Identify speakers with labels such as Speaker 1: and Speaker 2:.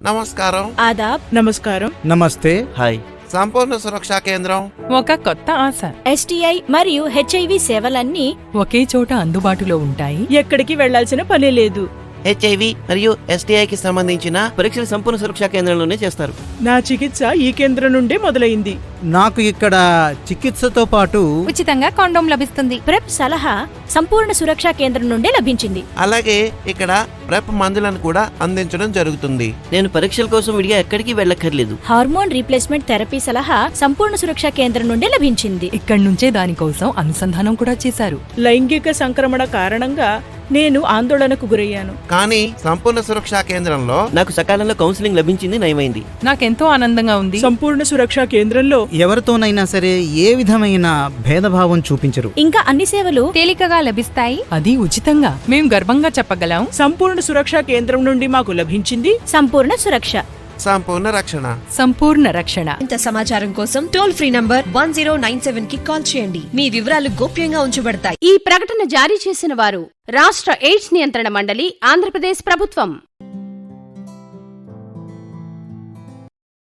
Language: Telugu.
Speaker 1: నమస్కారం.
Speaker 2: ఆదాబ్.
Speaker 3: నమస్కారం.
Speaker 4: నమస్తే.
Speaker 5: హాయ్.
Speaker 1: సంపూర్ణ సురక్షా కేంద్రం
Speaker 6: ఒక కొత్త ఆశ.
Speaker 2: STI మరియు HIV సేవలన్నీ
Speaker 6: ఒకే చోట అందుబాటులో ఉంటాయి.
Speaker 3: ఎక్కడికి వెళ్లాల్సిన పని లేదు.
Speaker 5: HIV మరియు STIకి సంబంధించిన పరీక్షలు సంపూర్ణ సురక్షా కేంద్రంలోనే చేస్తారు.
Speaker 3: నా చికిత్స ఈ కేంద్రం నుండే మొదలైంది.
Speaker 4: నాకు ఇక్కడ చికిత్సతో పాటు
Speaker 7: ఉచితంగా కాండోమ్ లభిస్తుంది.
Speaker 2: ప్రెప్ సలహా సంపూర్ణ సురక్షా కేంద్రం నుండే లభించింది.
Speaker 1: అలాగే ఇక్కడ ప్రెప్ మందులను కూడా అందించడం జరుగుతుంది.
Speaker 5: నేను పరీక్షల కోసం విడిగా ఎక్కడికి వెళ్ళక్కర్లేదు.
Speaker 2: హార్మోన్ రీప్లేస్మెంట్ థెరపీ సలహా సంపూర్ణ సురక్షా కేంద్రం నుండే లభించింది.
Speaker 6: ఇక్కడి నుంచే దానికోసం అనుసంధానం కూడా చేశారు.
Speaker 3: లైంగిక సంక్రమణ కారణంగా నేను ఆందోళనకు గురయ్యాను.
Speaker 1: కానీ సంపూర్ణ సురక్షా కేంద్రంలో
Speaker 5: నాకు సకాలంలో కౌన్సిలింగ్ లభించింది, నయమైంది.
Speaker 6: నాకెంతో ఆనందంగా ఉంది.
Speaker 3: సంపూర్ణ సురక్షా కేంద్రంలో
Speaker 4: ఎవరితోనైనా సరే ఏ విధమైన భేదభావం చూపించరు.
Speaker 2: ఇంకా అన్ని సేవలు
Speaker 7: తేలికగా లభిస్తాయి.
Speaker 6: అది ఉచితంగా. మేం గర్వంగా చెప్పగలం.
Speaker 3: సంపూర్ణ సురక్షా కేంద్రం నుండి మాకు లభించింది
Speaker 2: సంపూర్ణ సురక్ష,
Speaker 1: సంపూర్ణ రక్షణ.
Speaker 6: సంపూర్ణ రక్షణ.
Speaker 8: ఇంత సమాచారం కోసం టోల్ ఫ్రీ నంబర్ 1097 కి కాల్ చేయండి. మీ వివరాలు గోప్యంగా ఉంచబడతాయి.
Speaker 9: ఈ ప్రకటన జారీ చేసిన వారు రాష్ట్ర ఎయిడ్స్ నియంత్రణ మండలి, ఆంధ్రప్రదేశ్ ప్రభుత్వం.